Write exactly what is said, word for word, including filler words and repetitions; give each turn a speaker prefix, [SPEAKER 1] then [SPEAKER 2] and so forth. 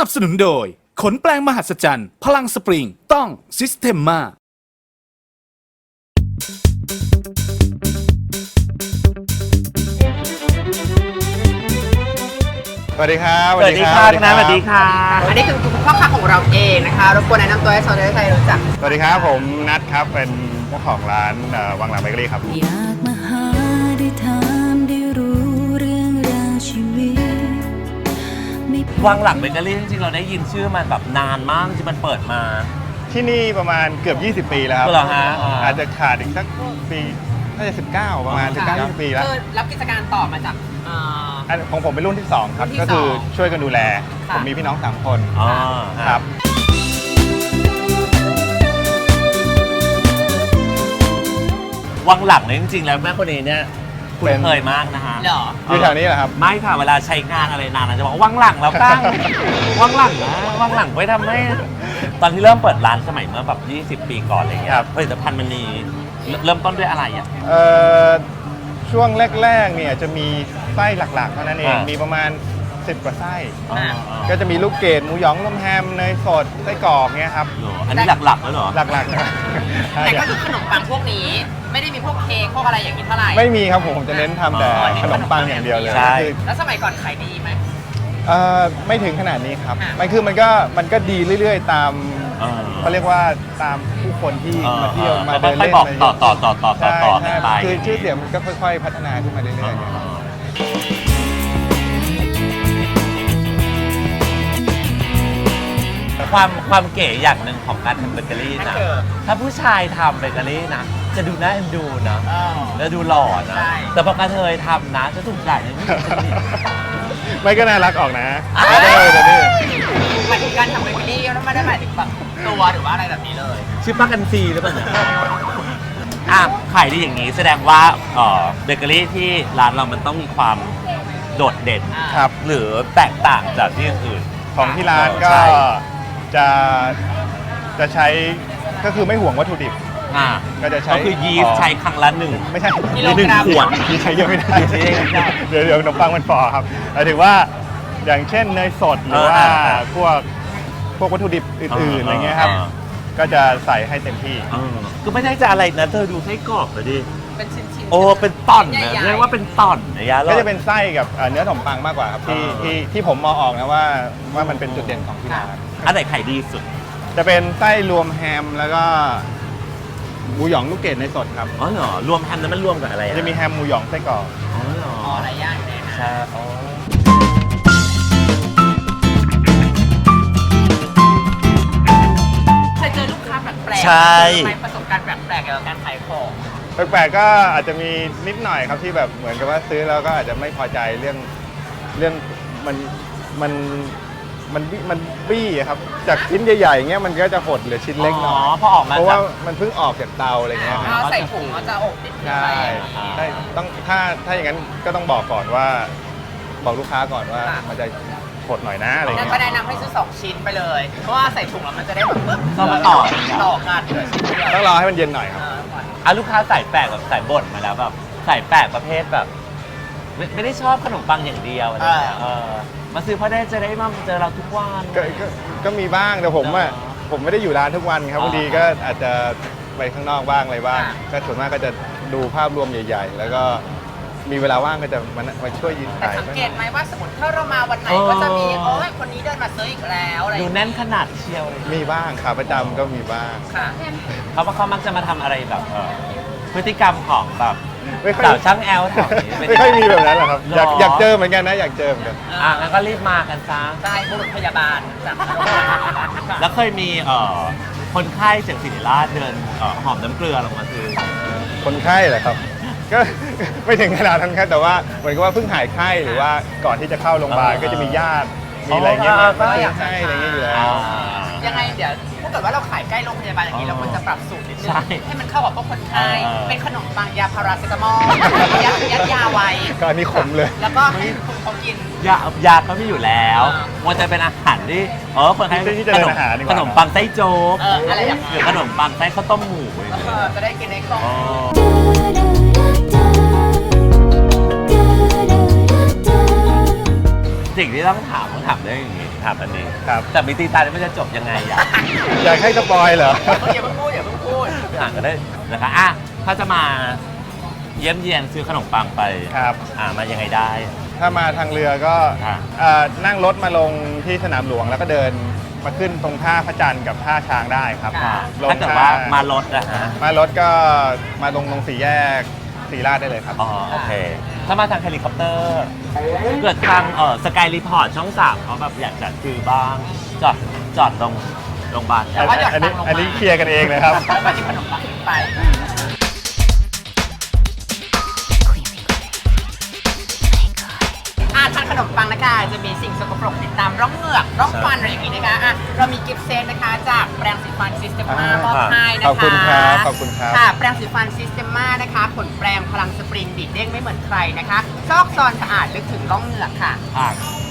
[SPEAKER 1] นับสนุนโดยขนแปลงมหัศจรรย์พลังสปริงต้องซิสเ e มมา
[SPEAKER 2] สวัสดีครับ
[SPEAKER 3] สวัสดีค่ะคุณน้าสวัสดีค่ะ
[SPEAKER 4] อันนี้คือคุณพ่อค้าของเราเองนะคะรบกวนแนะนำตัวให้ชาวไทยรู้จัก
[SPEAKER 2] สวัสดีครับผมนัทครับเป็นเจ้าของร้านเอ่อวังหลังเบเกอรี่ครับ
[SPEAKER 5] อยากมาหาได้ถามได้รู้เรื่องราวชีวิตไม่
[SPEAKER 3] วังหลังเบเกอรี่จริงๆเราได้ยินชื่อมันแบบนานมากที่มันเปิดมา
[SPEAKER 2] ที่นี่ประมาณเกือบยี่สิบปีแล้วครับ
[SPEAKER 3] เหรอฮะอ่า
[SPEAKER 2] อาจจะขาดอีกสักปีน่าจะสิบเก้าประมาณสิบเก้ายี่สิบปีแล้ว
[SPEAKER 4] คือรับกิจการต่อมาจากเอ่อ
[SPEAKER 2] อันของผมเป็นรุ่นที่สองครับ
[SPEAKER 4] รุ่นที่
[SPEAKER 2] ก็คือ
[SPEAKER 4] สอง
[SPEAKER 2] ช่วยกันดูแล
[SPEAKER 4] ค่ะ
[SPEAKER 2] ผมมีพี่น้องสามคน
[SPEAKER 3] อ๋อ
[SPEAKER 2] ครับ
[SPEAKER 3] วังหลังเนี่ยจริงๆแล้วแม่คนนี้เนี่ยคุณเคยมากนะฮะ
[SPEAKER 4] เหรอ
[SPEAKER 2] อยู่แถวนี้เหรอครับ
[SPEAKER 3] ไม่ค่ะเวลาใช้งานอะไรนานๆจะบอกวังหลังแล้วกัน วังหลังนะวังหลังไว้ทำให้ตอนที่เริ่มเปิดร้านสมัยเมื่อแบบยี่สิบปีก่อนอะไรเงี้ย
[SPEAKER 2] ครับ
[SPEAKER 3] ผลิตภัณฑ์มันมีเริ่มต้นด้วยอะไรอ่ะ
[SPEAKER 2] เอ่อช่วงแรกๆเนี่ยจะมีไส้หลักๆเท่านั้นเอง
[SPEAKER 3] อ่ามี
[SPEAKER 2] มีประมาณสิบกว่าไส้
[SPEAKER 3] อ๋ออ๋อ
[SPEAKER 2] ก็จะมีลูกเกดหมูหยองนมแฮมเนยสดไส้กรอกเนี่ยครับ
[SPEAKER 3] เหรออันนี้หลักๆแล้วเหรอ
[SPEAKER 2] หลักๆนะ
[SPEAKER 4] แต่ก็คือขนมปังพวกนี้ไม่ได้มีพวกเค้กพวกอะไรอย่างนี้เท่าไหร่
[SPEAKER 2] ไม่มีครับผมผมจะเน้นทำแต่
[SPEAKER 3] อ๋อ
[SPEAKER 2] ขนมปังอย่างเดียวเลย
[SPEAKER 3] ใช่
[SPEAKER 2] คือ
[SPEAKER 4] แล้วสมัยก่อนขายดีไหม
[SPEAKER 2] เอ่อไม่ถึงขนาดนี้ครับ
[SPEAKER 4] อ่ะ
[SPEAKER 2] มันคือมันก็มันก็ดีเรื่อยๆ ตาม
[SPEAKER 3] เออ
[SPEAKER 2] เขาเรียกว่าตามผู้คนที่
[SPEAKER 3] เออ
[SPEAKER 2] มาเที่ยว
[SPEAKER 3] เออ
[SPEAKER 2] มา
[SPEAKER 3] แล้ว
[SPEAKER 2] เดิน
[SPEAKER 3] ค่อย
[SPEAKER 2] เล่น
[SPEAKER 3] บอก
[SPEAKER 2] อะไร
[SPEAKER 3] ต่อต่อต่อต่อต่อ
[SPEAKER 2] ใช่
[SPEAKER 3] ต่อ
[SPEAKER 2] ใช่
[SPEAKER 3] ไป
[SPEAKER 2] คือชื่อเสียงมันก็ค่อยๆ พัฒนาขึ้นมาเรื่อยๆเนี่ยครับ
[SPEAKER 3] ความความเก๋อย่างหนึ่งของการทำเบเกอรี่
[SPEAKER 4] นั่น
[SPEAKER 3] นะ
[SPEAKER 4] คือ
[SPEAKER 3] ถ้าผู้ชายทำเบเกอรี่นะ จะดูน่าเอ็นดูนะ
[SPEAKER 4] เออ
[SPEAKER 3] แล้วดูหล่อนะ
[SPEAKER 4] ใช่
[SPEAKER 3] แต่พอกระเทยทำนะ จะถูกด่าอย่างนี้
[SPEAKER 2] ไม่ก็น่ารักออกนะ
[SPEAKER 3] อ่ะ
[SPEAKER 2] เออเดี๋ยวนี้
[SPEAKER 4] หมายถึงการทำเบเกอรี่แล้วไม่ได้หมายถึงแบบตัวหรือว่าอะไรแบบนี้เลย
[SPEAKER 3] ชื่อป้ากันซีหรือเปล่าเนี่ยอ่ะขายดีอย่างนี้แสดงว่าเอ่อเบเกอรี่ที่ร้านเรามันต้องมีความโดดเด่น
[SPEAKER 4] อ่า
[SPEAKER 2] ครับ
[SPEAKER 3] หรือแตกต่างจากที่อื่น
[SPEAKER 2] ของที่ร้านก็
[SPEAKER 3] ใช่
[SPEAKER 2] จะจะใช้ก็คือไม่ห่วงวัตถุดิบ
[SPEAKER 3] อ่า
[SPEAKER 2] ก็จะใช้
[SPEAKER 3] ก็คือยีสต์ใช้ครั้งละหนึ่ง
[SPEAKER 2] ไม่ใช่
[SPEAKER 4] กิโลกรัม
[SPEAKER 3] หนึ่งขวด
[SPEAKER 2] ที่ใช้เยอะไม่ได้
[SPEAKER 3] ใช้เยอะไม่ได้
[SPEAKER 2] เดี๋ยวเดี๋ยวขนมปังมันฟอครับหมายถึงว่าอย่างเช่นเนยสดหรือว่า
[SPEAKER 3] อ่าอ่า
[SPEAKER 2] พวกพวกวัตถุดิบอื่นๆอะไรเงี้ยครับ
[SPEAKER 3] อ่า
[SPEAKER 2] ก็จะใส่ให้เต็มที่
[SPEAKER 3] เออก็ไม่ได้จะอะไรนะเธอดูไส้กรอกเลยดิ
[SPEAKER 4] เป็นชิ้นๆ
[SPEAKER 3] โอ้ เป็นต่อนนะ
[SPEAKER 4] ใหญ่ๆ
[SPEAKER 3] เรียกว่าเป็นต่อนนะยะ
[SPEAKER 2] ก็จะเป็นไส้กับเอ่อเนื้อขนมปังมากกว่าครับที่
[SPEAKER 3] อ่า
[SPEAKER 2] ที่ที่ผมมองออกนะว่าว่ามันเป็นจุดเด่นของที่ร้าน
[SPEAKER 3] อันไหนขายดีสุด
[SPEAKER 2] จะเป็นไส้รวมแฮมแล้วก็หมูหยองลูกเกดในสดครับ
[SPEAKER 3] อ๋อเหรอ รวมแฮมนั้นมันรวมกับอะไรอ
[SPEAKER 2] จะมีแฮมหมูหยองไส้กรอก
[SPEAKER 3] อ๋อเหรอ
[SPEAKER 4] อ๋อหลายอย่างเลยนะ
[SPEAKER 3] ใช่อ๋อ
[SPEAKER 4] เคยเจอลูกค้าแปลกๆ
[SPEAKER 3] ใช่
[SPEAKER 4] ไหมประสบการณ์แปลกๆเกี่ยวกับการขายของ
[SPEAKER 2] แปลกๆก็อาจจะมีนิดหน่อยครับที่แบบเหมือนกับว่าซื้อแล้วก็อาจจะไม่พอใจเรื่องเรื่องมันมันมันบี้มันบี้อะครับจากชิ้นใหญ่ๆอย่างเงี้ยมันก็จะหดเหลือชิ้นเล็กหน่อย
[SPEAKER 3] อ๋อพอออกมา
[SPEAKER 2] เพราะว่า
[SPEAKER 3] จาก
[SPEAKER 2] มันเพิ่งออกจากเตาอะไรเงี้ยครับ
[SPEAKER 4] เอาใส่ถุงเราจะอบนิดนึง
[SPEAKER 2] ใช่
[SPEAKER 4] ไป
[SPEAKER 2] ใช่ต้องถ้าถ้าอย่างนั้นก็ต้องบอกก่อนว่า บอกลูกค้าก่อนว่า
[SPEAKER 4] ค่ะ
[SPEAKER 2] มันจะหดหน่อยนะอะไร
[SPEAKER 4] งั้น
[SPEAKER 2] เงี้ย
[SPEAKER 4] ก็แนะนำให้ซื้อสองชิ้นไปเลย เพราะว่าใส่ถุงแล้วมันจะได้แบบปึ๊บ
[SPEAKER 3] ต้องมาต่อ
[SPEAKER 4] ต่อกันเหลือชิ้นเดียว
[SPEAKER 2] ต้องรอให้มันเย็นหน่อยครับ
[SPEAKER 4] เออก่อน
[SPEAKER 3] อ่ะลูกค้าใส่แปลกแบบใส่บ่นมาแล้วแบบใส่แปลกประเภทแบบ ไม่ไม่ได้ชอบขนมปังอย่างเดียวอะไรเงี้ยเออมาซื้อเพราะได้จะได้มาเจอเราทุกวัน
[SPEAKER 2] ก็ก็ก็มีบ้างแต่ผมอ่ะ
[SPEAKER 3] อ๋อ
[SPEAKER 2] ผมไม่ได้อยู่ร้านทุกวันครับ
[SPEAKER 3] อ๋อ
[SPEAKER 2] บางทีก็อาจจะไปข้างนอกบ้างอะไรบ้าง
[SPEAKER 4] อ่า
[SPEAKER 2] ก็ส่วนมากก็จะดูภาพรวมใหญ่ ๆ แล้วก็มีเวลาว่างก็จะมามาช่วยยืน
[SPEAKER 4] แต่
[SPEAKER 2] ถ่าย
[SPEAKER 4] สังเกตไหมว่าสมมติถ้าเรามาวันไหนก็จะมีโอ้ยคนนี้เดินมาซื้ออีกแล้วอะไรอ
[SPEAKER 3] ดู
[SPEAKER 4] ย่างเงี้ย
[SPEAKER 3] แน่นขนาดเชียวเลย
[SPEAKER 2] มีบ้างขาประจำก็มีบ้าง
[SPEAKER 4] ค่ะ
[SPEAKER 3] เขาว่าเขามักจะมาทำอะไรแบบเอ่อพฤติกรรมของแบบ
[SPEAKER 2] ไม่ค่อย
[SPEAKER 3] สาวช่างแอลแถวนี้เป็น
[SPEAKER 2] ไม่ค่อยมีแบบนั้นหรอกครับ อยาก
[SPEAKER 3] หรอ
[SPEAKER 2] อยากเจอเหมือนกันนะอยากเจอเหมือนกัน
[SPEAKER 3] อ่ะงั้นก็รีบมากันซะ
[SPEAKER 4] ใช่บุรุษพยาบาลจาก
[SPEAKER 3] แล้วเคยมีเอ่อคนไข้จากศิริราชเดินเอ่อหอมน้ำเกลือลงมาซื้อ
[SPEAKER 2] คนไข้เหรอครับ ก็ ไม่ถึงขนาดนั้นครับแต่ว่าเหมือนกับว่าเพิ่งหายไข้หรือว่าก่อนที่จะเข้าโรงพยาบาล
[SPEAKER 3] อ่า
[SPEAKER 2] ก็จะมีญาติมีอะไรเงี้ย
[SPEAKER 3] อ๋อ
[SPEAKER 2] มา
[SPEAKER 3] ก็
[SPEAKER 2] ซื้
[SPEAKER 3] อ
[SPEAKER 2] อย
[SPEAKER 3] ากจะ
[SPEAKER 2] ให้อะไรเงี้ยอยู่แล้ว
[SPEAKER 3] อ่า
[SPEAKER 4] ยังไงเดี๋ยวถ้าเกิดว่าเราขายใกล้โรงพยาบาลอย่างนี้
[SPEAKER 3] อ๋อ
[SPEAKER 4] เราควรจะปรับสูตรนิดนึ
[SPEAKER 3] ใช่
[SPEAKER 4] งให้มันเข้ากับพวกคนไข้
[SPEAKER 3] เออ
[SPEAKER 4] เป็นขนมปังยาพาราเซตามอลยัดยัดยาไว้
[SPEAKER 2] ก็อันนี้ขมเลย
[SPEAKER 4] แล้วก็ให้คนเขากิน
[SPEAKER 3] ยายาก็มีอยู่แล้ว
[SPEAKER 4] อ่า
[SPEAKER 3] มันจะเป็นอาหารที่เออคนไข้
[SPEAKER 2] ที่ที่จะ
[SPEAKER 3] ข
[SPEAKER 2] เป็น
[SPEAKER 3] นม
[SPEAKER 2] อาหารดีกว่า
[SPEAKER 3] ขนมปังไส้โจ๊ก
[SPEAKER 4] เอออะไรอย่าง
[SPEAKER 3] ห
[SPEAKER 4] เงี้
[SPEAKER 3] รื
[SPEAKER 4] ย
[SPEAKER 3] อขนมปังไส้ข้าวต้มหมู
[SPEAKER 4] เออจะได้กินในกล่อง
[SPEAKER 3] อ๋อสิ่งที่ต้องถามต้องถามเรื่องอย่างนี้ถามอันนี้
[SPEAKER 2] ครับ
[SPEAKER 3] แต่มีตีตาเนี่ยมันจะจบยังไงอ่ะ
[SPEAKER 2] อยากให้สปอยเหรอ
[SPEAKER 4] อย่าเพิ่งพูดอย่าเพิ่งพูด
[SPEAKER 3] อ่านก็ได้นะคะอ่ะถ้าจะมาเยี่ยมเยียนซื้อขนมปังไป
[SPEAKER 2] ครับ
[SPEAKER 3] อ่ามายังไงได้
[SPEAKER 2] ถ้ามาทางเรือก็
[SPEAKER 3] ค่ะ
[SPEAKER 2] เอ่อนั่งรถมาลงที่สนามหลวงแล้วก็เดินมาขึ้นตรงท่าพระจันทร์กับท่าช้างได้ครับ
[SPEAKER 3] ค่ะ
[SPEAKER 2] ลง
[SPEAKER 3] ถ้าเกิดว่ามารถนะฮะ
[SPEAKER 2] มารถก็มาลงตรงสี่แยกศรีราชได้เลยครับ
[SPEAKER 3] อ๋อโอเค ถ้ามาทางเฮลิคอปเตอร์เกิดทางเออสกายรีพอร์ตช่องสามเขาแบบอยากจะซื้อบ้าง จอดจอดตรงโรงพยาบาล
[SPEAKER 4] แต่ว่าอยาก
[SPEAKER 2] อันนี้
[SPEAKER 4] ฟังลงมา
[SPEAKER 2] อันนี้เคลียร์กันเองเลยครับ
[SPEAKER 4] แล้วมาที่ขนมปังขึ้นไป อ่าทานขนมปังนะคะจะมีสิ่งสกปรกติดตามร่องเหงือกร่องฟันอะไรอย่างงี้นะคะอ่ะเรามีกิฟต์เซตนะคะจากแปรงสีฟันซิสเต m มามอบให้นะคะ
[SPEAKER 2] ขอบคุณครับขอบคุณครับ
[SPEAKER 4] ค่ะแปรงสีฟันซิสเต m มานะคะผลแปรงพลังสปริงดีดเด้งไม่เหมือนใครนะคะซอกซอนสะอาดลึกถึงร่องเหงือกค่ะ
[SPEAKER 3] อ่ะ